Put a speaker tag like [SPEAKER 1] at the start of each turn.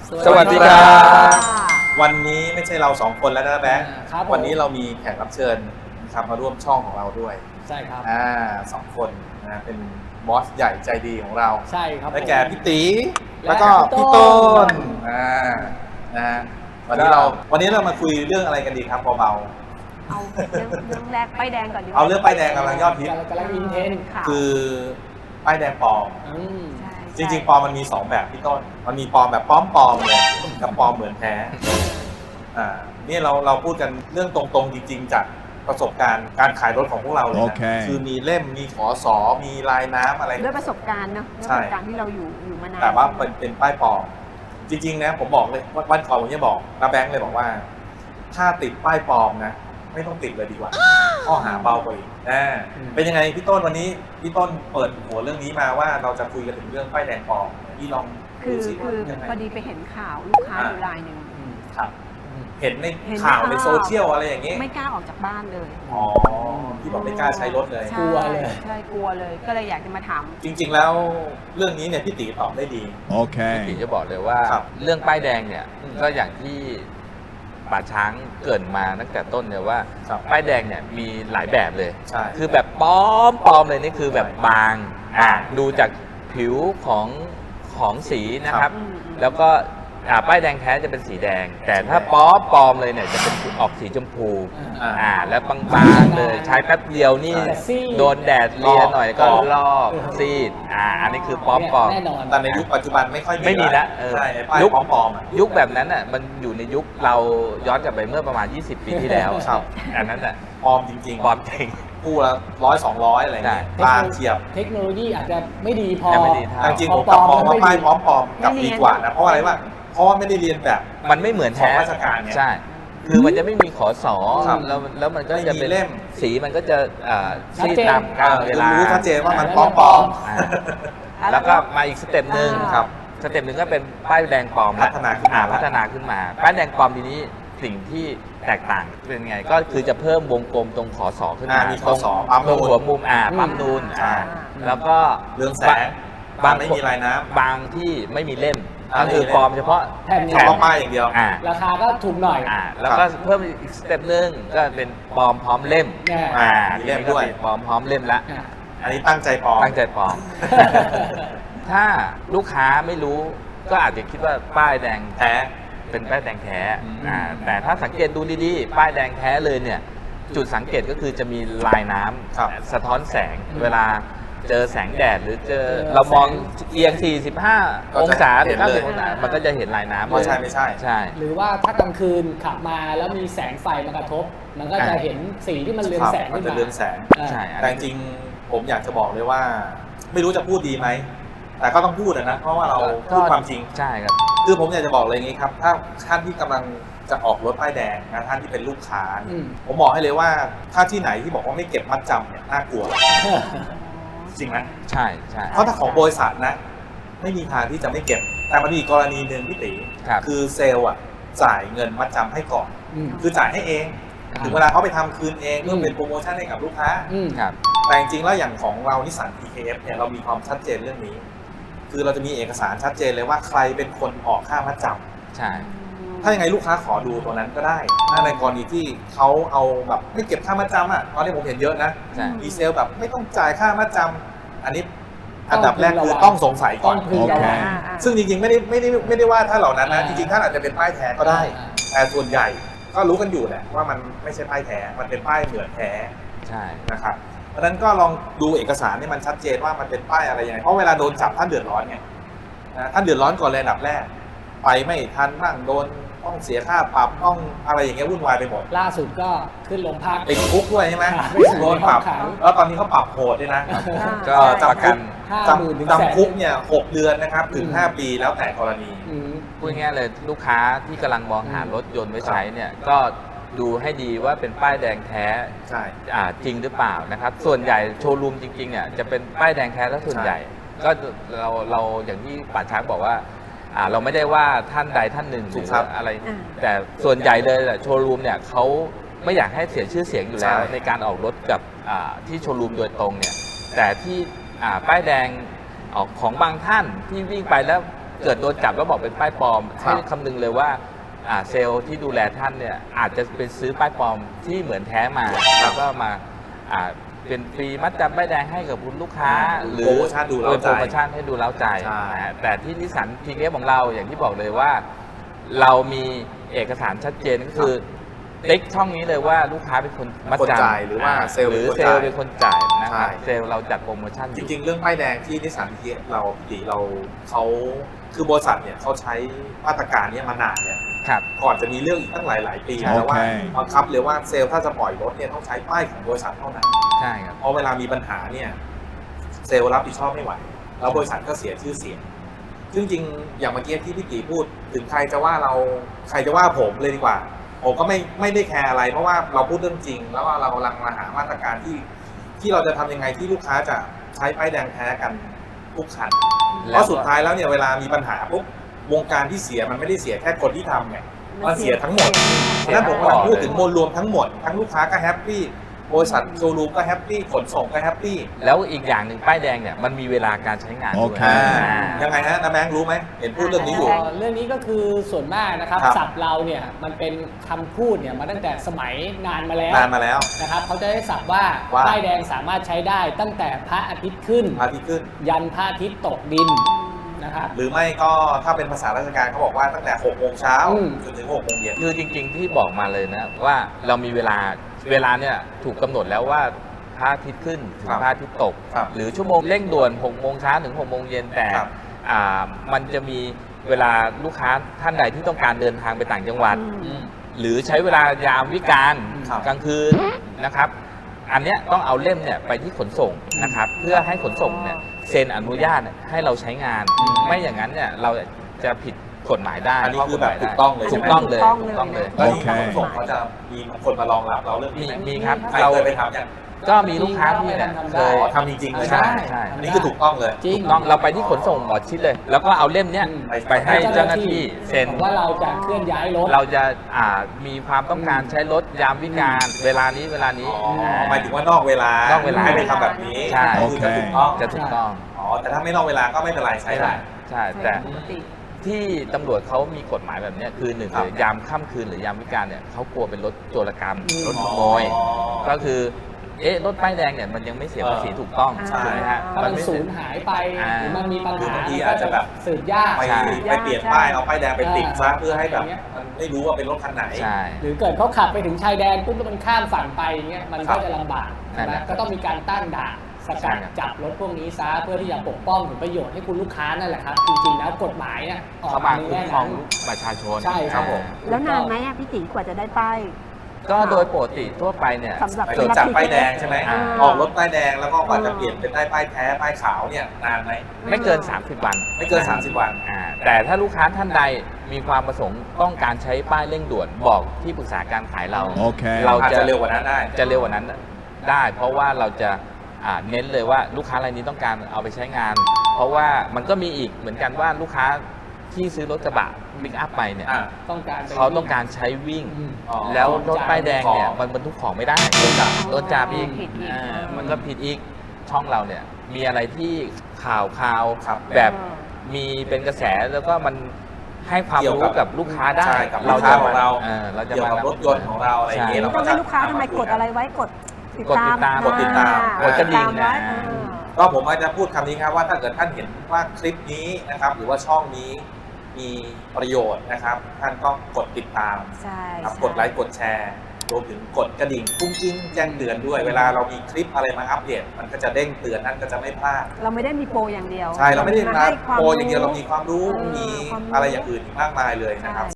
[SPEAKER 1] สวัสดีครับ
[SPEAKER 2] วันนี้ไม่ใช่เราสองคนแล้วนะแบงค์
[SPEAKER 1] ครับผม
[SPEAKER 2] วันนี้เรามีแขกรับเชิญนะครับมาร่วมช่องของเราด้วย
[SPEAKER 1] ใช่ครับ
[SPEAKER 2] สองคนนะเป็นบอสใหญ่ใจดีของเรา
[SPEAKER 1] ใช่ครับ
[SPEAKER 2] ได้แก่พี่ตี
[SPEAKER 1] และ
[SPEAKER 2] แล้วก็
[SPEAKER 1] พี่
[SPEAKER 2] พี่
[SPEAKER 1] ต้
[SPEAKER 2] ต้
[SPEAKER 1] น
[SPEAKER 2] นนะฮะวันนี้เรามาคุยเรื่องอะไรกันดีครับเบา
[SPEAKER 3] เอาเรื่องแรกป้ายแดงก่อนดีก
[SPEAKER 2] ๆ
[SPEAKER 3] ว่า
[SPEAKER 2] เอาเรื่องป้ายแดงกำลังยอดฮิต
[SPEAKER 1] กำลังอินเทน
[SPEAKER 3] ค่ะ
[SPEAKER 2] คือป้ายแดงปลอม
[SPEAKER 1] ม
[SPEAKER 3] ใช่
[SPEAKER 2] จริงๆปลอมมันมี2แบบพี่ต้นมันมีปลอมแบบปลอมเลยกับปลอมเหมือนแท้นี่เราพูดกันเรื่องตรงๆจริงๆจากประสบการณ์การขายรถของพวกเราเลย
[SPEAKER 4] โอ
[SPEAKER 2] นะ
[SPEAKER 4] เค
[SPEAKER 2] คือมีเล่มมีขอสอมีลายน้ำอะไร
[SPEAKER 3] ด้วยประสบการณ์เนอะด้วย
[SPEAKER 2] ใช่
[SPEAKER 3] ประสบการณ์ที่เราอยู่มานาน
[SPEAKER 2] แต่ว่าเป็นป้ายปลอมจริงๆนะผมบอกเลยวันก่อนผมจะบอกน้าแบงค์เลยบอกว่า ถ้าติดป้ายปลอมนะไม่ต้องติดเลยดีกว่าข้อหาเบากว่าอีกเป็นยังไงพี่ต้นวันนี้พี่ต้นเปิดหัวเรื่องนี้มาว่าเราจะคุยกันถึงเรื่องป้ายแดงปลอมพี่ลอง
[SPEAKER 3] คือ
[SPEAKER 2] ดูสิ
[SPEAKER 3] คือ
[SPEAKER 2] ยังไง
[SPEAKER 3] พอดีไปเห็นข่าวลูกค้าอยู่รายหนึ่ง
[SPEAKER 2] ครับเห็นใน
[SPEAKER 3] เห็น
[SPEAKER 2] ข่าว
[SPEAKER 3] ใน
[SPEAKER 2] ใน
[SPEAKER 3] ข่าว
[SPEAKER 2] โซเชียลอะไรอย่างงี้
[SPEAKER 3] ไม่กล้าออกจากบ้านเลย
[SPEAKER 2] อ๋อที่บอกไม่กล้าใช้รถเลย
[SPEAKER 3] ใช่
[SPEAKER 1] กลัวเลย
[SPEAKER 3] ใช่กลัวเลย ก็เลยอยากจะมาถาม
[SPEAKER 2] จริง ๆ แล้วเรื่องนี้เนี่ยพี่ตีตอบได้ดี
[SPEAKER 4] โอเค
[SPEAKER 5] พี่จะบอกเลยว่า
[SPEAKER 2] ครับ
[SPEAKER 5] เรื่องป้ายแดงเนี่ยก็อย่างที่ป่าช้างเกริดมาตั้งแต่ต้นเนี่ยว่า
[SPEAKER 2] ครับ
[SPEAKER 5] ป้ายแดงเนี่ยมีหลายแบบเลย
[SPEAKER 2] ใช่
[SPEAKER 5] คือแบบปลอมเลยนี่คือแบบบางดูจากผิวของสีนะครับ
[SPEAKER 3] อืม
[SPEAKER 5] แล้วก็ป้ายแดงแท้จะเป็นสีแดง แต่ถ้าปลอมเลยเนี่ยจะเป็นออกสีชมพู แล้วบางๆเลยใช้แป๊บเดียวนี่
[SPEAKER 1] แต่ซีด
[SPEAKER 5] โดนแดดเลียหน่อยก็
[SPEAKER 2] ลอก
[SPEAKER 5] ลอกซีดอันนี้คือปลอม
[SPEAKER 1] แน่นอน
[SPEAKER 2] แต่ในยุคปัจจุบันไม่ค่อย
[SPEAKER 5] ไม่มีละ
[SPEAKER 2] ใช่ไอ้ป้าย
[SPEAKER 5] ยุค
[SPEAKER 2] ปลอมๆอ่ะ
[SPEAKER 5] ยุคแบบนั้นอ่ะมันอยู่ในยุคเราย้อนกลับไปเมื่อประมาณ 20 ปีที่แล้ว
[SPEAKER 2] ครับ
[SPEAKER 5] อันนั้นอ่ะ
[SPEAKER 2] ปลอมจริงๆ
[SPEAKER 5] ปลอมจริง
[SPEAKER 2] คู่ละ100-200อะไรอย่างเงี้ย
[SPEAKER 5] ใช่
[SPEAKER 2] บางเฉียบ
[SPEAKER 1] เทคโนโลยีอาจจะไม่ดีพอ
[SPEAKER 5] ยังไม่ดีเท่า
[SPEAKER 2] แต่จริงๆผมกลับมองว่าป้ายปลอมๆกลับดีกว่านะเพราะอะไรวะเพราะว่าไม่ได้เรียนแบบ
[SPEAKER 5] มันไม่เหมือนแท้
[SPEAKER 2] ของราชการไง
[SPEAKER 5] ใช่ คือมันจะไม่มีขอสอ
[SPEAKER 2] ครับ
[SPEAKER 5] แล้วมันก็จะ
[SPEAKER 2] ไม่มี
[SPEAKER 5] เป็น
[SPEAKER 2] เล่ม
[SPEAKER 5] สีมันก็จะซีดตามกาลเวลา
[SPEAKER 2] รู้ชัดเจนว่ามันปลอม
[SPEAKER 5] อ่าแล้วก็มาอีกสเต็ปหนึ่ง
[SPEAKER 2] ครับ
[SPEAKER 5] สเต็ปหนึ่งก็เป็นป้ายแดงปลอมละ
[SPEAKER 2] พัฒนาขึ้นมา
[SPEAKER 5] พัฒนาขึ้นมาป้ายแดงปลอมทีนี้สิ่งที่แตกต่างเป็นไงก็คือจะเพิ่มวงกลมตรงขอสอขึ้นมา
[SPEAKER 2] มีข้อสอบปั๊ม
[SPEAKER 5] ตรง
[SPEAKER 2] นูน
[SPEAKER 5] หัวมุมปั๊มนูน
[SPEAKER 2] ใช่
[SPEAKER 5] แล้วก็
[SPEAKER 2] เรื่องแสง
[SPEAKER 5] บาง
[SPEAKER 2] ไม่มีลายน้ำ
[SPEAKER 5] บางที่ไม่มีเล่ม
[SPEAKER 2] อ่า
[SPEAKER 5] ก็คือ
[SPEAKER 2] ไม่มีเล่ม
[SPEAKER 5] ปลอมเฉพาะ
[SPEAKER 1] แผ่น
[SPEAKER 2] เฉ
[SPEAKER 1] เนี้ย
[SPEAKER 2] พาะป้ายอย่างเดียว
[SPEAKER 1] ราคาก็ถูกหน่อย
[SPEAKER 5] แล้วก็เพิ่มอีกสเต็ปหนึ่งก็เป็นปลอมพร้อมเล่ม
[SPEAKER 1] แน่
[SPEAKER 2] มีเล่มด้วย
[SPEAKER 5] ทีนี้ก็เป็นปลอมพร้อมเล่มละ
[SPEAKER 1] อ่ะ
[SPEAKER 2] อันนี้ตั้งใจปลอม
[SPEAKER 5] ตั้งใจปลอม ถ้าลูกค้าไม่รู้ก็อาจจะคิดว่าป้ายแดง
[SPEAKER 2] แท้
[SPEAKER 5] เป็นป้ายแดงแท้
[SPEAKER 2] อืม
[SPEAKER 5] แต่ถ้าสังเกตดูดีๆ ป้ายแดงแท้เลยเนี่ย จุดสังเกตก็คือจะมีลายน้
[SPEAKER 2] ครับ
[SPEAKER 5] ำสะท้อนแสง
[SPEAKER 1] อืม
[SPEAKER 5] เวลาเจอแสงแดดหรือเจอ
[SPEAKER 1] เจอ
[SPEAKER 5] เรามอง
[SPEAKER 1] แสง
[SPEAKER 5] เอียง 45 องศาหรือ
[SPEAKER 2] เห็นเลย
[SPEAKER 5] 90องศามันก็จะเห็นลายน้ำ
[SPEAKER 2] ว่าใช่ไม่ใช่
[SPEAKER 5] ใช่
[SPEAKER 1] หรือว่าถ้ากลางคืนขับมาแล้วมีแสงไฟมากระทบ มันก็จะเห็นสีที่มันเรือง
[SPEAKER 2] ครับ
[SPEAKER 1] แสง
[SPEAKER 2] มัน
[SPEAKER 1] ขึ้น
[SPEAKER 2] จะ
[SPEAKER 1] มา
[SPEAKER 2] เรืองแสง
[SPEAKER 1] อ่า
[SPEAKER 5] ใช่
[SPEAKER 2] แต่จริงๆผมอยากจะบอกเลยว่า ไม่รู้จะพูดดีไหม แต่ก็ต้องพูดนะเพราะว่าเราพูดความจริง
[SPEAKER 5] ใช่ครับ
[SPEAKER 2] คือผมอยากจะบอกเลยอย่างนี้ครับ ถ้าท่านที่กำลังจะออกรถป้ายแดงนะท่านที่เป็นลูกค้า
[SPEAKER 1] อืม
[SPEAKER 2] ผมบอกให้เลยว่าถ้าที่ไหนที่บอกว่าไม่เก็บมัดจำเนี่ยน่ากลัวจริงไหม
[SPEAKER 5] ใช่ใช่
[SPEAKER 2] เพราะถ้าของบริษัทนะ ไม่มีทางที่จะไม่เก็บ แต่มันมีอีกกรณีหนึ่งพี่ตี
[SPEAKER 5] ครับ
[SPEAKER 2] คือเซลล์อ่ะจ่ายเงินมัดจำให้ก่อน
[SPEAKER 1] อืม
[SPEAKER 2] คือจ่ายให้เอง
[SPEAKER 1] อ่า
[SPEAKER 2] ถึงเวลาเขาไปทำคืนเองเพื่อ
[SPEAKER 1] ม
[SPEAKER 2] เป็นโปรโมชั่นให้กับลูกค้า
[SPEAKER 1] อืม
[SPEAKER 5] ครับ
[SPEAKER 2] แต่จริงๆแล้วอย่างของเรานิสสัน PKF เนี่ยเรามีความชัดเจนเรื่องนี้ คือเราจะมีเอกสารชัดเจนเลยว่าใครเป็นคนออกค่ามัดจำ
[SPEAKER 5] ใช่
[SPEAKER 2] ถ้ายังไงลูกค้าขอดูตัวนั้นก็ได้ ถ้าในกรณีที่เขาเอาแบบไม่เก็บค่ามัดจำอ่ะตอนนี้ผมเห็นเยอะนะ
[SPEAKER 5] ใช่
[SPEAKER 2] ดีเซลแบบไม่ต้องจ่ายค่ามัดจำอันนี้อันดับแรกคือต้องสงสัยก่อน
[SPEAKER 1] ต้องพึงระวัง
[SPEAKER 2] ซึ่งจริงๆไม่ได้ว่าถ้าเหล่านั้นนะจริงๆท่านอาจจะเป็นป้ายแท้ก็ได้ แต่ส่วนใหญ่ก็รู้กันอยู่แหละว่ามันไม่ใช่ป้ายแท้ มันเป็นป้ายเหมือนแท้
[SPEAKER 5] ใช่
[SPEAKER 2] นะครับเพราะฉะนั้นก็ลองดูเอกสารให้มันชัดเจนว่ามันเป็นป้ายอะไรยังไงเพราะเวลาโดนจับท่านเดือดร้อนไงนะท่านเดือดร้อนก่อนเลยอันดับแรก ไปไม่ทันบ้างโดนต้องเสียค่าปรับต้องอะไรอย่างเงี้ยวุ่นวายไปหมด
[SPEAKER 1] ล่าสุดก็ขึ้นโรงพัก
[SPEAKER 2] ติดคุกด้วยใช่ไหม
[SPEAKER 1] ไม่ใช่
[SPEAKER 2] โดนปรับ
[SPEAKER 1] ขัง
[SPEAKER 2] แล้วตอนนี้เขาปรับโหดด้วยนะ
[SPEAKER 5] ก็
[SPEAKER 2] จำ
[SPEAKER 5] ประกัน
[SPEAKER 1] 50,000 ถึงแสน
[SPEAKER 2] จำคุกเนี่ย6 เดือนนะครับถึง
[SPEAKER 1] อืม
[SPEAKER 2] 5 ปีแล้วแต่กรณี
[SPEAKER 1] อืม
[SPEAKER 5] พูดง่ายๆเลยลูกค้าที่กำลังมองหารถยนต์ไว้ใช้เนี่ยก็ดูให้ดีว่าเป็นป้ายแดงแท้
[SPEAKER 2] ใช่
[SPEAKER 5] จริงหรือเปล่านะครับ ส่วนใหญ่โชว์รูมจริงๆเนี่ยจะเป็นป้ายแดงแท้แล้วส่วนใหญ่ ก็เราอย่างที่ป่าช้างบอกว่าเราไม่ได้ว่าท่านใดท่านหนึ่งห
[SPEAKER 2] ถู
[SPEAKER 5] รื
[SPEAKER 2] ก
[SPEAKER 5] อ
[SPEAKER 2] ครับ
[SPEAKER 5] อะไร
[SPEAKER 3] อ่า
[SPEAKER 5] แต่ส่วนใหญ่เลยโชว์รูมเนี่ยเขาไม่อยากให้เสียชื่อเสียงอยู่แล้ว
[SPEAKER 2] ใช่
[SPEAKER 5] ในการออกรถกับที่โชว์รูมโดยตรงเนี่ยแต่ที่ป้ายแดงออกของบางท่านที่วิ่งไปแล้วเกิดโดนจับแล้วบอกเป็นป้ายปลอม
[SPEAKER 2] ครับ
[SPEAKER 5] ให้คำนึงเลยว่าเซลล์ที่ดูแลท่านเนี่ยอาจจะเป็นซื้อป้ายปลอมที่เหมือนแท้มาแล้วก็มาเป็นฟรีมัดจำป้ายแดงให้กับคุณลูกค้า หรือ
[SPEAKER 2] โปรโมชั่นดูเร้าใจ
[SPEAKER 5] โปรโมชั่นให้ดูเล้าใจ
[SPEAKER 2] ใช่
[SPEAKER 5] นะฮะแต่ที่นิสสันพีเอฟของเราอย่างที่บอกเลยว่า เรามีเอกสารชัดเจนก็คือติ๊กช่องนี้เลยว่าลูกค้าเป็นคนมัด
[SPEAKER 2] คน
[SPEAKER 5] จำ
[SPEAKER 2] จ่ายหรือว่าเซลล์
[SPEAKER 5] หรือ
[SPEAKER 2] เป็นคน
[SPEAKER 5] เซลล์
[SPEAKER 2] จ่าย
[SPEAKER 5] เป็นคนจ่ายนะครับ
[SPEAKER 2] ใช่
[SPEAKER 5] เซลล์เราจัดโปรโมชั่นอ
[SPEAKER 2] จ
[SPEAKER 5] ยู่
[SPEAKER 2] ริงๆ เรื่องป้ายแดงที่นิสสันพีเราเขาคือบริษัทเนี่ยเขาใช้มาตรการเนี้มานานเนี่ย
[SPEAKER 5] ครับ
[SPEAKER 2] ก่อนจะมีเรื่องอีกตั้งหลาย ๆ ปี
[SPEAKER 5] ใช่
[SPEAKER 2] แล้วว่า
[SPEAKER 4] โอเค
[SPEAKER 2] บังคับเลยว่าเซลล์ถ้าจะปล่อยรถเนี่ยต้องใช้ป้ายของบริษัทเท่านั้น
[SPEAKER 5] ใช่ครับ
[SPEAKER 2] เพราะเวลามีปัญหาเนี่ยเซลล์รับผิดชอบไม่ไหว แล้วบริษัทก็เสียชื่อเสียงซึ่งจริงๆอย่างเมื่อกี้ที่พี่ตีพูดถึงใครจะว่าเราใครจะว่าผมเลยดีกว่า ผมก็ไม่ได้แคร์อะไร เพราะว่าเราพูดเรื่องจริง แล้วว่าเรากำลังมาหามาตรการที่เราจะทำยังไงที่ลูกค้าจะใช้ป้ายแดงแท้กันทุกคันเพราะสุดท้ายแล้วเนี่ยเวลามีปัญหาปุ๊บวงการที่เสียมันไม่ได้เสียแค่คนที่ทำไงมันเสียทั้งหมด
[SPEAKER 5] เสีย
[SPEAKER 2] นั่นผมกำลังพูดถึง
[SPEAKER 5] หม
[SPEAKER 2] ม
[SPEAKER 5] ด
[SPEAKER 2] วลรวมทั้งหมดทั้งลูกค้าก็แฮปปี้บริษัทโชว์รูมก็แฮปปี้ขนส่งก็แฮปปี้
[SPEAKER 5] แล้วอีกอย่างหนึ่งป้ายแดงเนี่ยมันมีเวลาการใช้งานด้วย
[SPEAKER 4] โอเค
[SPEAKER 2] ยังไงฮะน้าแบงค์รู้ไหมเห็นพูดเรื่องนี้อยู่
[SPEAKER 1] เรื่องนี้ก็คือส่วนมากนะครับ
[SPEAKER 2] ครับ
[SPEAKER 1] ศัพท์เราเนี่ยมันเป็นคำพูดเนี่ยมาตั้งแต่สมัยนานมาแล้ว
[SPEAKER 2] นานมาแล้ว
[SPEAKER 1] นะครับเขาจะได้ศัพท์ว่า
[SPEAKER 2] ว่า
[SPEAKER 1] ป้ายแดงสามารถใช้ได้ตั้งแต่พระอาทิตย์ขึ้น
[SPEAKER 2] พาที่ขึ้น
[SPEAKER 1] ยันพระอาทิตย์ตกดินนะครับ
[SPEAKER 2] หรือไม่ก็ถ้าเป็นภาษาราชการเขาบอกว่าตั้งแต่6 โมงเช้า
[SPEAKER 1] อืม
[SPEAKER 2] จนถึง6 โมงเย็น
[SPEAKER 5] คือจริงๆที่บอกมาเลยนะว่าเรามีเวลาเนี่ยถูกกำหนดแล้วว่าพระอาทิตย์ขึ้นถึง
[SPEAKER 2] ครับ
[SPEAKER 5] พระอาทิตย์ตก
[SPEAKER 2] ครับ
[SPEAKER 5] หรือชั่วโมงเร่งด่วน6 โมงเช้าถึง6 โมงเย็นแต่
[SPEAKER 2] ครับ
[SPEAKER 5] มันจะมีเวลาลูกค้าท่านใดที่ต้องการเดินทางไปต่างจังหวัด หรือใช้เวลายามวิกาล
[SPEAKER 2] ครับ
[SPEAKER 5] กลางคืนนะครับ อันเนี้ยต้องเอาเล่มเนี่ยไปที่ขนส่งนะครับ เพื่อให้ขนส่งเนี่ยเซ็นอนุญาตให้เราใช้งาน ไม่อย่างนั้นเนี่ยเราจะผิดกฎหมายได้
[SPEAKER 2] อันนี้คือแบบ
[SPEAKER 5] ข้กฎหมายได้
[SPEAKER 2] ถูกต้องเลย
[SPEAKER 5] ถูกต้องเลย
[SPEAKER 3] ถูกต้อง
[SPEAKER 5] ถูกต้องเลย
[SPEAKER 2] แล้วที่
[SPEAKER 4] โอเค
[SPEAKER 2] ขนส่งเขาจะมีคนมารองรับเราเรื่องนี้ไหม
[SPEAKER 5] มีครับ
[SPEAKER 2] ใคร
[SPEAKER 5] เรา
[SPEAKER 2] เคยไปทำอย่าง
[SPEAKER 5] ก็มีลูกค้าที่เนี่ย
[SPEAKER 1] ทำ
[SPEAKER 5] เค
[SPEAKER 1] ได้
[SPEAKER 5] ย
[SPEAKER 2] อ๋อทำจริงๆเลย
[SPEAKER 5] ใช่
[SPEAKER 2] ใช่ไหม
[SPEAKER 5] ใช่
[SPEAKER 2] อันนี้คือถูกต้องเลย
[SPEAKER 1] จริง
[SPEAKER 5] ถูกต้องเราไปที่ขนส่งหมอชิดเลย แล้วก็เอาเล่มเนี้ย ไปให้เจ้าหน้าที่เซ็น
[SPEAKER 1] ว่าเราจะเคลื่อนย้ายรถ
[SPEAKER 5] เราจะมีความต้องการใช้รถยามวิกาลเวลานี้
[SPEAKER 2] อ๋อหมายถึงว่านอกเวลาน
[SPEAKER 5] อกเวลา
[SPEAKER 2] ให้ไปทำแบบนี้
[SPEAKER 5] ใช่
[SPEAKER 2] คือจะถูกต้อง
[SPEAKER 5] จะถูกต้อง
[SPEAKER 2] อ๋อแต่ถ้าไม่นอกเวลาก็ไม่เป็นไรใช้ได้
[SPEAKER 5] ใช่ แต่
[SPEAKER 3] ปกติ
[SPEAKER 5] ที่ตำรวจเขามีกฎหมายแบบเนี้ยคือหนึ่ง
[SPEAKER 2] ครับ
[SPEAKER 5] เลยยามค่ำคืนหรือยามวิกาลเนี่ยเขากลัวเป็นรถโจรกรรม รถขโมย
[SPEAKER 2] อ๋อ
[SPEAKER 5] ก็คือรถป้ายแดงเนี่ยมันยังไม่เสียภาษีถูกต้อง
[SPEAKER 3] ใช่
[SPEAKER 5] ถูกไหมฮะ
[SPEAKER 1] ถ้ามัน
[SPEAKER 5] ไม่
[SPEAKER 1] สู
[SPEAKER 5] เสีย
[SPEAKER 1] ญหายไป
[SPEAKER 5] อ่า
[SPEAKER 1] หรือมันมีปัญหา
[SPEAKER 2] บางทีอาจจะแบบ
[SPEAKER 1] สืบยาก
[SPEAKER 2] ไป
[SPEAKER 5] ใช่
[SPEAKER 2] ไปเปลี่ยนป้ายเอาป้ายแดงไปติดซะ
[SPEAKER 1] อ่า
[SPEAKER 2] เพื่อให้แบบ
[SPEAKER 1] อย่างเงี้ย
[SPEAKER 2] มันไม่รู้ว่าเป็นรถคันไหน
[SPEAKER 5] ใช่
[SPEAKER 1] หรือเกิดเขาขับไปถึงชายแดนปุ๊บแล้วมันข้ามฝั่งไปอย่างเงี้ยมัน
[SPEAKER 2] ครั
[SPEAKER 1] ก็
[SPEAKER 2] บ
[SPEAKER 1] จะลำบาก
[SPEAKER 5] นั่นแห
[SPEAKER 1] นะ
[SPEAKER 5] ละ
[SPEAKER 1] ก็ต้องมีการตั้งด่านสกัด
[SPEAKER 5] ใช่ครับ
[SPEAKER 1] จับรถพวกนี้ซะเพื่อที่จะปกป้องผลประโยชน์ให้คุณลูกค้านั่นแหละครับ จริงๆแล้วกฎหมายเนี่ยออก
[SPEAKER 5] เขา
[SPEAKER 1] มา
[SPEAKER 5] มา
[SPEAKER 1] ใน
[SPEAKER 5] คุ้ม
[SPEAKER 1] แง่
[SPEAKER 5] ครอ
[SPEAKER 1] นั้
[SPEAKER 5] ง
[SPEAKER 1] น
[SPEAKER 5] ประชาชน
[SPEAKER 1] ใช่ครับผม
[SPEAKER 3] แล้วนานไหมอะพี่ตีกว่าจะได้ป้าย
[SPEAKER 5] ก็โดยปกติทั่วไปเนี่ย
[SPEAKER 3] สำหรับ
[SPEAKER 2] ไปจดจับป้ายแดงใช่ไหม
[SPEAKER 5] อ่า
[SPEAKER 2] ออกรถป้ายแดงแล้วก็กว่าจะเปลี่ยนเป็นได้ป้ายแท้ป้ายขาวเนี่ยนานไหม
[SPEAKER 5] ไม่เกิน 30 วัน
[SPEAKER 2] ไม่เกิน30 วัน
[SPEAKER 5] แต่ถ้าลูกค้าท่านใดมีความประสงค์ต้องการใช้ป้ายเร่งด่วนบอกที่ปรึกษาการขายเรา
[SPEAKER 4] โอเค
[SPEAKER 5] เรา
[SPEAKER 2] อาจจะเร็วกว่านั้นได้
[SPEAKER 5] จะเร็วกว่านั้นได้ เพราะว่าเราจะเน้นเลยว่าลูกค้ารายนี้ต้องการเอาไปใช้งาน เพราะว่ามันก็มีอีกเหมือนกันว่าลูกค้าที่ซื้อรถกระบะบิ๊กอัพไปเนี่ย
[SPEAKER 2] อ่า
[SPEAKER 1] ต้องการไป
[SPEAKER 5] เขาต้องการใช้วิ่ง
[SPEAKER 1] อืม
[SPEAKER 2] อ๋อ
[SPEAKER 5] แล้วรถป้ายแดงเนี่ย
[SPEAKER 2] ของ
[SPEAKER 5] มันบรรทุกของไม่ได้โดนจับอีก
[SPEAKER 3] ผิดอีก
[SPEAKER 5] มันก็ผิดอีกช่องเราเนี่ยมีอะไรที่ข่าว
[SPEAKER 2] ครับ
[SPEAKER 5] แบบมีเป็นกระแสแล้วก็มันให้ความ
[SPEAKER 2] เกี่ยว
[SPEAKER 5] รู้
[SPEAKER 2] กับ
[SPEAKER 5] กับลูกค้าได้
[SPEAKER 2] ใช่กับลูกค้าของเรา
[SPEAKER 5] เราจะ
[SPEAKER 2] เกี่ยวกับรถยนต์ของเราอะไรอย่างเงี้ย
[SPEAKER 5] ใช่
[SPEAKER 2] เรา
[SPEAKER 3] ต้องให้ลูกค้าทำไมกดอะไรไว้กดติดตาม
[SPEAKER 5] กดติดตาม
[SPEAKER 2] กดกระดิ่ง
[SPEAKER 3] ไว้
[SPEAKER 2] ก็ผมอาจจะพูดคำนี้ครับว่าถ้าเกิดท่านเห็นว่าคลิปนี้นะครับหรือว่าช่องนี้มีประโยชน์นะครับ ท่านก็กดติดตาม
[SPEAKER 3] ใช่
[SPEAKER 2] ครับ
[SPEAKER 3] ใช่
[SPEAKER 2] กดไลค์กดแชร์รวมถึงกดกระดิ่งกุ้งกิ้งแจ้งเตือนด้วย เวลาเรามีคลิปอะไรมาอัปเดตมันก็จะเด้งเตือนท่านก็จะไม่พลาด
[SPEAKER 3] เราไม่ได้มีโปรอย่างเดียว
[SPEAKER 2] ใช่เราไม่ได้มา
[SPEAKER 3] ให้ความ
[SPEAKER 2] โปรอย่างเดียวเรามีความรู้
[SPEAKER 3] เออ
[SPEAKER 2] มี
[SPEAKER 3] ความรู้
[SPEAKER 2] อะไรอย่างอื่นอีกมากมายเลยนะครับ
[SPEAKER 3] ใช่